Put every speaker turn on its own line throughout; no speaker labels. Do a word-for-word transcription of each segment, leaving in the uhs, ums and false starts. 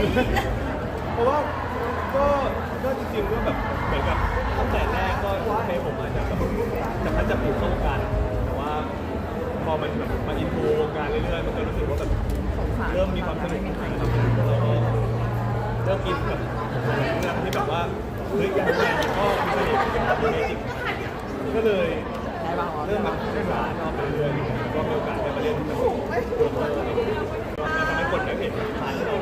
เพราะว่าก็ก็จริงๆก็แบบเหมือนกับตั้งแต่แรกก็ให้ผมอาจจะแบบจะพัฒนาผูกเข้าวงการแต่ว่าพอมันแบบมาอินโทรวงการเรื่อยๆมันก็รู้สึกว่าแบบเริ่มมีความสนุกนะครับแล้วก็เริ่มกินกับเรื่องที่แบบว่าเฮ้ยการแสดงก็มีเสน่ห์เป็นแบบนี้จริงก็เลยเริ่มแบบศึกษาชอบไปเรื่อยๆก็มีโอกาสได้มาเรียนที่แบบก็ทำให้คนได้เห็นผ่านเรา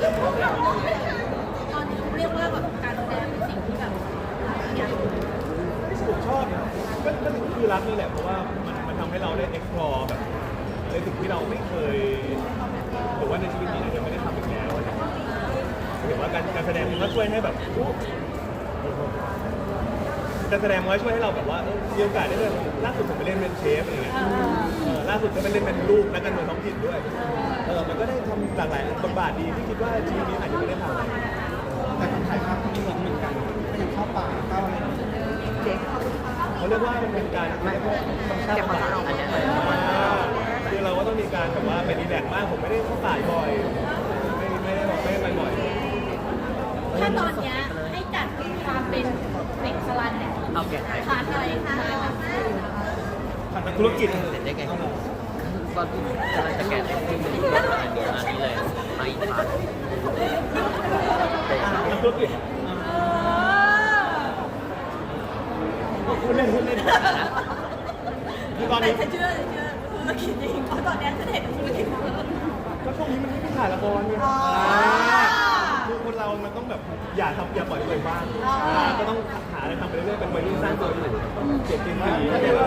ตอนนี้เรียกว่าแบบการแสดงเป็นสิ่งที่แบบอยาก
ผมชอบนะก็ก็คือรักนี่แหละเพราะว่ามันมันทำให้เราได้ explore แบบในสิ่งที่เราไม่เคยหรือว่าในชีวิตนี้อาจจะไม่ได้ทำอีกแล้วเห็นว่าการการแสดงมันก็ช่วยให้แบบการแสดงมันก็ช่วยให้เราแบบว่ามีโอกาสได้เลยล่าสุดผมไปเล่นเป็นเชฟอะไรเงี้ยล่าสุดก็ไปเล่นเป็นลูกนักการเมืองท้องถิ่นด้วยเออมันก็ได้ทำหลากหลายบทบาทดีที่คิดว่าชีวิตนี้อาจจะไม่ได้ทำ
แต่คนถ่ายภาพที่เหมือนกันก็ยังเข้าป่าเข้าอะไรเจ๊
เขาเรียกว่ามันเป็นการไม่พวกธรรมชาติบำบัดคือเราก็ต้องมีการแบบว่าไปรีแลกซ์มากผมไม่ได้เข้าป่าบ่อยไม่ไม่ได้บอกไม่ได้ไปบ่อย
ถ้าตอนเนี้ยให้จัดความเป็นเด็กสลันเนี่ย
เอาแกะ
ขาดอะไรคะ
ผ่านทางธุรกิจ
เสร็จได้ไงตอนที่กำลังจะแกะที่มันอยู่ประมาณนี้อันนี้เลยมาอีกครั้ง
ทางธุรกิจคุณเล่นคุณเล่นคือตอน
แต่
นี้
ฉันเชื่อเชื่อธุรกิจจริงเพราะตอนเนี้ยฉันเห็นธุรกิจเยอะ
ก็ช่วงนี้มันไม่มีถ่ายละครไงคือคนเรามันต้องแบบอย่าทำอย่าปล่อยตัวเองบ้างก็ต้องหาอะไรทำไปเรื่อยๆเป็นวัยรุ่นสร้างตัวอยู่เจ็บจริงๆ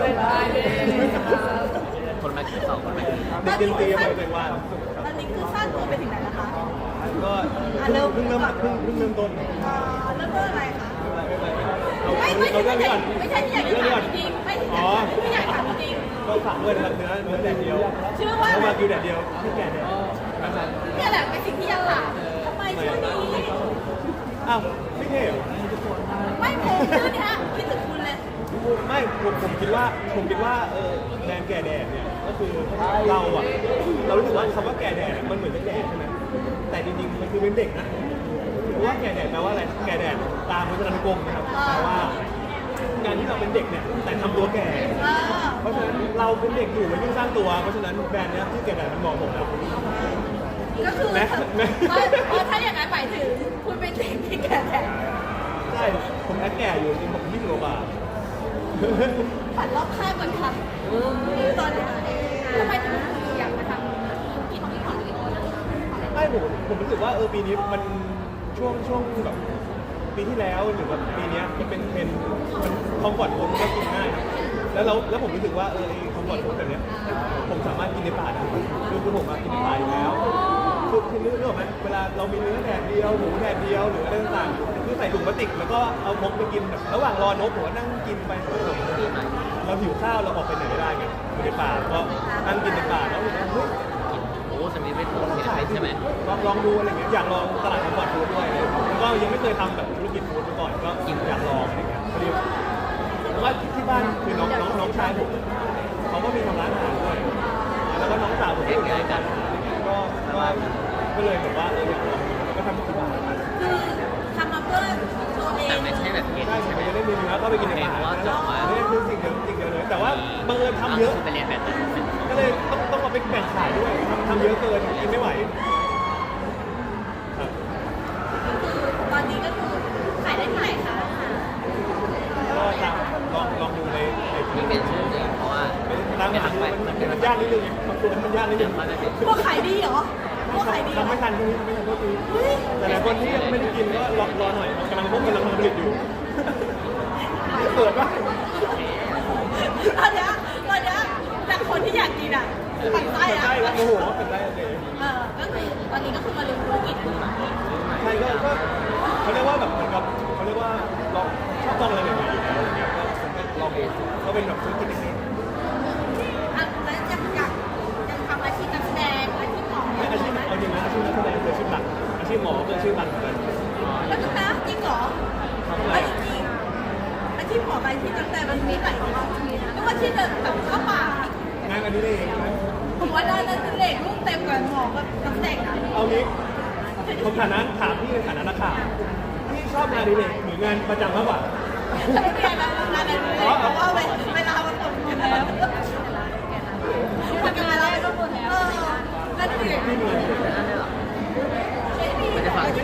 คนมากินสองคนมากิน
เด็กจริงๆอย่าปล่อยตัวเองว่าง
ตอนนี้คือสร้างตัวไปถึงไหนแล้วคะ
ก็เพิ่งเริ่มเพิ่งเพิ่งเริ่มต้น
อ่าเริ่มต้นอะไรคะ
เอา
ไม่
เอา
ไม่
เอาเรื่องนี้ก่อน
ไม่ใช่ที่อยากจะ
เรื่องนี้
ถา
ก่อน
มจริงๆไม่
อ๋อ
ไม่อยากถามจริง
ก็ฝากด้วยนะครับเนื้อเนื้อแดดเดียว
ชื่อว่า
เนื้อวากิวแดดเดียวที่แก่แดดนะครับ
เนี่ยแหละเป็นสิ่งที่อยากถามทำไมชื่อนี้
อ้าวไม่เท่เหรอ
ไม่ผมชื่อเนี้ยคิดถึงคุณเลย
ไม่ผมผมคิดว่าผมคิดว่าเออแดนแก่แดดเนี่ยก็คือเราอ่ะเรารู้สึกว่าคำว่าแก่แดดมันเหมือนจะแก่ใช่ไหมแต่จริงๆมันคือเป็นเด็กนะเพราะว่าแก่แดดแปลว่าอะไรแก่แดดตามพจนานุกรมนะครับแปลว่าการที่เราเป็นเด็กเนี่ยแต่ทำตัวแก่
เออ
เพราะฉะนั้นเราเป็นเด็กอยู่มันยิ่งสร้างตัว เพราะฉะนั้นแบรนด์เนี้ยที่แก่แดดมันเหมาะผมแล้ว
ก็คือ
แม่แม่
เพราะถ้าอย่างนั้นหมายถึงคุณเป็นเด็กที่แก่แก่
ใช่ผมแอดแก่อยู่จริงผมยี่สิบกว่าบาท
ผันรอบข้างก่อนค่ะตอนนี้ทำไมถึงอยากมาทำกินที่ของตัวนะ
ไม่ผมผมรู้สึกว่าเออปีนี้มันช่วงช่วงแบบปีที่แล้วหรือแบบปีเนี้ยมันเป็นเทรนด์มันคอมฟอร์ตฟู้ดมันก็กินง่ายนะแล้วเราแล้วผมรู้สึกว่าเออไอ้คอมฟอร์ตฟู้ดแบบเนี้ยผมสามารถกินในป่าได้คือคือผมอะกินในป่าอยู่แล้วคือคือนึกออกไหมเวลาเรามีเนื้อแดดเดียวหมูแดดเดียวหรืออะไรต่างๆคือใส่ถุงพลาสติกแล้วก็เอาพกไปกินแบบระหว่างรอนกผมก็นั่งกินไปเราหิวข้าวเราออกไปไหนไม่ได้ไงอยู่ในป่าก็นั่งกินในป่าแล้วรู้สึกว่าเฮ้ย
โอ้สมิธเป็นผมเห็นเป็นใช่ไหม
ลองลองดูอะไรเงี้ยอยากลองตลาดคอมฟอร์ตฟู้ดด้วยแล้วก็ยังไม่เคยทำแบบธุรกิจฟู้ดมาก่อนก็อยากลองอะไรเงี้ยพอดีเพราะว่าที่บ้านคือน้องน้องน้องชายผมเขาก็มีทำร้านอาหารด้วยแล้วก็น้องสาวผมก็ทำร้านอาหารก็ก็ก็เลยแบบว่าเอออยากลองก็ทำที่บ้าน
คือทำมาเพื่อตัวเอ
แต่
ง
ไม่ใช่แบบเย็น
ใช่
ใช่ไหม
ไม่ได้มีเนื้อก็ไปกินในป่านี่คือสิ่งเดียวสิ่งเดียวเลยแต่ว่าบังเอิญทำเยอะ
ไปเรียนแบบนั้น
ก็เลยต้องต้องมาไปแบ่งขายด้วยทำทำเยอะเกินกินไม่ไหวครับ
ตอนนี้ก็คือขายได้เท่าไหร่คะ
ก็ตามลองลองดูในในคลิ
นี่
ป
เป็นชื่อจริงเพราะว่า
ตาม
ไม่
หา
ทำ
ดู
ไป
มัน
มัน
มันยากนิดนึงบางตัวมันยากนิดนึง
มันไม่เป็น
พวกขายดีเหรอพวกขายดีเหรอ
ทำไม่ทันตรงนี้ทำไม่ทันก็คือ
เฮ้ย
แต่หลายคนที่ยังไม่ได้กินก็รอรอหน่อยกำลังพวกกำลังผลิตอยู่เปิดป่ะ
ตอนเนี้ยตอนเนี้ยจากคนที่อยากกินอ่ะปั่นไส้
เปิด
อ่ะ
ได้แล้วโอ้โหเปิดได้เลย
เออก็คือตอนนี้ก็คือมาเรียนธุรกิจ
ใช่ก็ก็เขาเรียกว่าแบบเหมือนกับเขาเรียกว่าลองชอบลองอะไรใหม่ๆอยู่แล้วอย่างเงี้ยก็ผมก็ลองเองก็เป็นแบบธุรกิจเล็ก
อ่ะแล้วจะอยากจะทำอาชีพนักแสดงอาชีพหมอ
ๆไม่อาชีพเอาจริงนะอาชีพนักแสดงคืออาชีพหลักอาชีพหมอก็คืออาชีพหลักเหมือนกัน
แล้วก็นะจริงเหรอ
ทำอะไร
ไม่จริงอาชีพหมอกับอาชีพนักแสดงมันมีหลายอาชีพนะไม่ว่าอาชีพแบบแบบเข้าป่าง
านอันนี้เอง
ผมว่าได้นั่นเป็นเด็กลูกเต็มกว่าหมอกับนักแสดงนะ
เอางี้
เฉ
ผมฐานะถามพี่ในฐานะนักข่าวพี่ชอบงานอดีเลยหรืองานประจำมากกว่า
ไม่เรียนแล้วงานอะไรเลยเพราะว่าเวลามันหมดแล้วทำงานอะไรก็หมดแล้วเออนั่นสิ
พี่มี
ไม่ได้ฟัง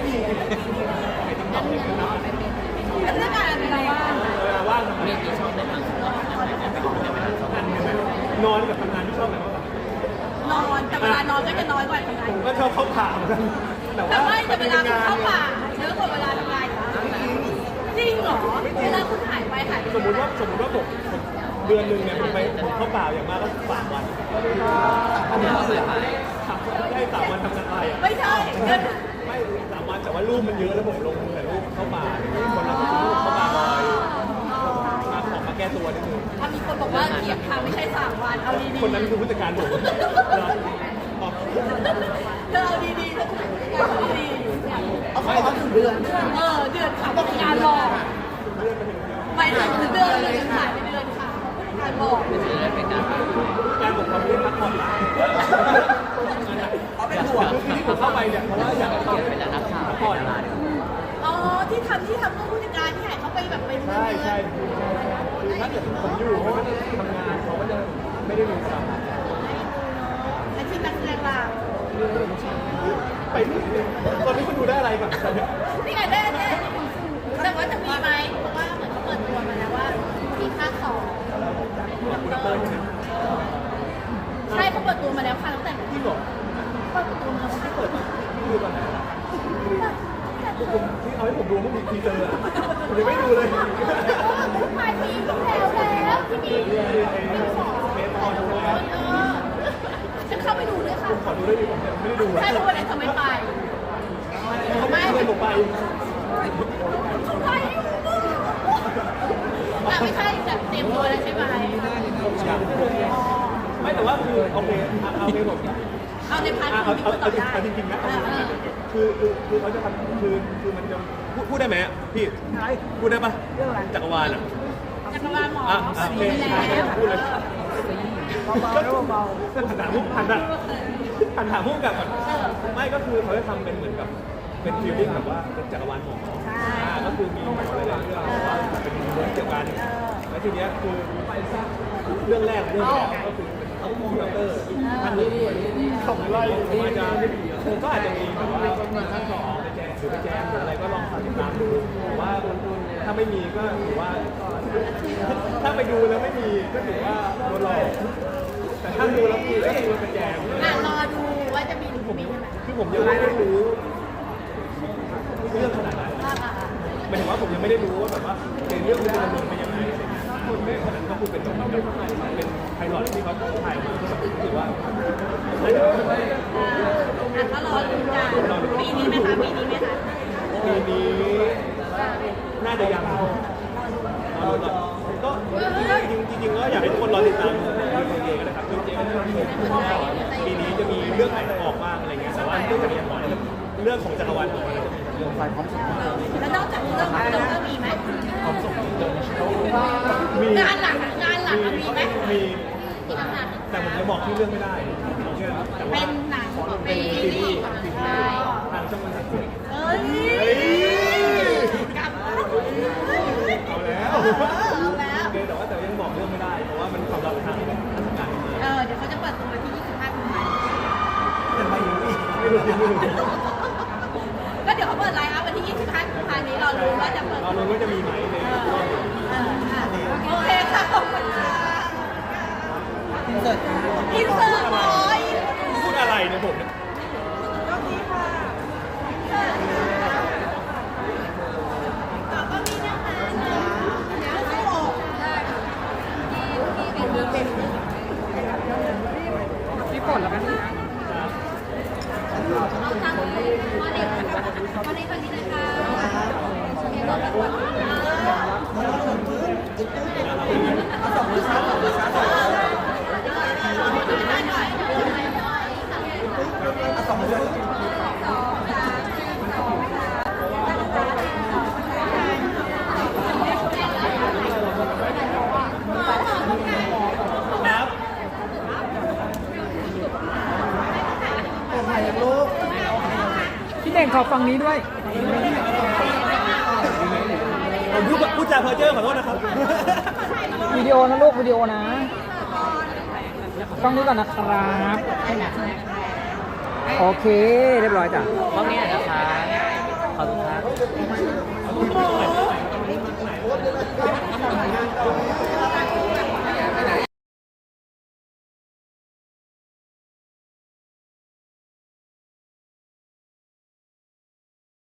แล้วเรื่องงานอะไรบ้าง
เวลาว่างทำไม
มีที่ชอบเล่นหนังสืออะไรไม่ชอบเล่นหนังสือน
อนกับทำงานที่ชอบไหนมากกว่าน
อนแต่เวลานอนก็จะน้อยกว่าทำงาน
ผมก็ชอบเข้าป่าเหมือนกันแต่
แต่
ว่า
ไม่แต่เวลาคุณเข้า
เนี่ย
ป่าเยอะกว่าเวลาทำงานจริงเหรอเวลาคุณหายไปหายไป
สมมติว่าสมมติว่าผมผมเดือนหนึ่งเนี่ยผมไปผมเข้าป่าอย่างมากก็สามวัน
อันนี้ก็คือหาย
สามวันได้สามวันทำงานอะไรอ่ะ
ไม่ใช่เดือน
ไม่สามวันแต่ว่ารูปมันเยอะแล้วผมลงแต่รูปเข้าป่าคนเราก็ซื้อรูปเข้าป่าบ่อยมาขอมาแก้ตัวนิดนึง
ถ้ามีคนบอกว่าเกียบค่ะไม่ใช่สามวันเอาดีๆ
คนนั้นคือผู้จัดการผมเหรออ๋อ
เธอเอาดีๆเธอเอาดีๆ
เอาเขาบอกว่าถึงเดือน
เออเดือนค่ะผู้จัดการบอกไปถึงเดือนเลยหายไปเดือนค่ะผู้จัดการบอก
ไม่ใช่ได้เป็นการ
ผู้จัดการผมทำเรื่องพักผ่อน
เขาเป็นห่วง
คือที่ผมเข้าไปเนี่ยเพราะว่าอยาก
เปลี่ยนเป็นนักข่าวเป็นดาราดีกว่า
อ๋อที่ทำที่ทำเพื่อผู้จัดการที่หายเขาไปแบบไปเมือง
ใช่ใช่คือถ้าเกิดผมอยู่เขาก็จะทำงานเขาก็จะไม่ได้ดูเรา
อาชีพนักแสดงล่ะ
ไปตอนนี้คุณดูได้อะไรแบบตอนนี้
นี่ไงได้ได้แต่ว่าจะมีไหมเพราะว่าเหมือนเขาเปิดตัวมาแล้วว่ามีภาคสอง
คุณเต้ยใช่ไหม
ใช่เขาเปิดตัวมาแล้วค่ะตั้งแต่
ที่บอก
เปิดตัวมาแล้วค่ะ
เปิดที่ดูตอนไหนคือผมที่เอาให้ผมดูเมื่อมีทีเซอร์ผมยังไม่ดูเลย
ปลายปีที่แล้วแล้วที่มี
เรื่องไอ้เมทออนดูแล้ว
เออฉันเข้าไปดูด้วยค่ะ
ขอดูได้ดิผมยังไม่ได้ดู
ใช่ทุกวันไหนทำไมไป
เขาไม่เลยผมไป
ไปแต่ไม่ใช่แบบเต็มตัวแล้วใช่ไหม
ไม่แต่ว่าคือโอเคเอาในผม
เอาในพาร์ท
เอา
ของ
เอา
ที่คุณต
เอา
อบได้
จริงๆนะ
เออเออ
คือคือคือเขาจะทำคือคือมันจะพูดได้ไหมพี่พูดได้ปะจักรวาลอ่ะ
จักรวาลหมอ
อ่ะอ่ะ
มี
เพลง
แล้ว
พูดเลยเบาๆหันถามมุกหันอะหันถามมุกกับก่อนไม่ก็คือเขาจะทำเป็นเหมือนกับเป็นฟีลลิ่งแบบว่าเป็นจักรวาลหมออ่าก็คือมีหมอหลายๆเรื่องแต่ว่าเป็นเรื่องเกี่ยวกันแล้วทีเนี้ยคือเรื่องแรกเรื่องแรกก็คือเป็นดอกเตอร์ท่านหนึ่งส่งไล่ผมอาจจะผมก็อาจจะมีแบบว่าท่านสองไปแจกหรือไปแจกหรืออะไรก็ลองติดตามดูแต่ว่าถ้าไม่มีก็ถือว่า ถ้าไปดูแล้วไม่มีก็ถือว่าโดนหลอกแต่ถ้าดูแล้วมีก็คือเป็นแจก
อ่ะรอดูว่าจะมีหรือไม่มีใช่ไหม
คือผมยังไม่ได้รู้เรื่องขนาดนั้น
อ่าอ่า
หมายถึงว่าผมยังไม่ได้รู้ว่าแบบว่าในเรื่องมันจะดำเนินไปยังไงอะไรเงี้ยคนเรื่องขนาดนั้นก็คือเป็นแบบเป็นไพลอตที่เขาถ่ายมาก็แบบรู้สึกว่าน่าจะ
อ่าอ่ะก็รอดูกันปีนี้ไหมคะปีนี้ไหมคะ
ปีนี้น่าจะยังรอดูก่อนก็จริงจริงๆก็อยากให้ทุกคนรอติดตามดูเองนะครับคือเจ๊ก็จะมีปีนี้จะมีเรื่องไหนออกบ้างอะไรเงี้ยแต่ว่าเรื่องจากอย่างน้อยเรื่องของจักรวาลออกมาจะมีเรื่องไฟพร้อมสุด
แล้วนอกจากเรื่องของเราก็มีไหม
พร้อมสุดมี
งานหลักอะงานหลักอะมีไหม
มี
ที่ทำงาน
แต่ผมจะบอกที่อเรื่องไม่ได้เอาเชื่อแต่ว่า
เป็นหนังเป็นซีรีส์ใช่
ทางช่องมันถัด
เอ้ยกลับมา
เอาแล้ว
เอาแล้ว
แต่ว่าแต่ยังบอกเรื่องไม่ได้เพราะว่ามันความลับทางราชการมา
เออเดี๋ยวเขาจะเปิดตัววันที่ยี่สิบห้ากุมภาพันธ์
แต่ไม่รู้อีกไม่รู้ไม่รู้
ก็เดี๋ยวเขาเปิดไลน์อัพวันที่ยี่สิบห้ากุมภาพันธ์นี้เรารู้ว่าจะเปิด
เรารู้ว่าจะมีไหมใน
เออเอออ่ะโอเคค่ะขอบคุณค่ะ
อินเสิร์ต
อินเสิร์ตหน่อย
พูดอะไรเนี่ยผมเนี่ย
ก็มีค่ะต่อก็มีนะคะเดี๋ยวเข้าออกได้ค่ะเป็น
พี่ฝนแล้วกัน
เอาทางมาเด็กมาเด็กมาเด็กฝั่งนี้เลยค่ะเดี๋ยวเราไปก่อน
เอาสองมือซ้ายสองมือซ้ายสองมือซ้ายเอาสองมือซ้าย
ครับ
โอ้ยยังลูก
พี่
พี่เน่งขอฟังนี้ด้วย
ผมพูดพูดจาเพ้อเจ้อขอโทษนะครับ
วิดีโอนะลูกวิดีโอนะฟังนี้ก่อนนะครับ โอเค เรียบร้อยจ้ะ
กล้องนี้หน่อยนะคะขอบคุณครับ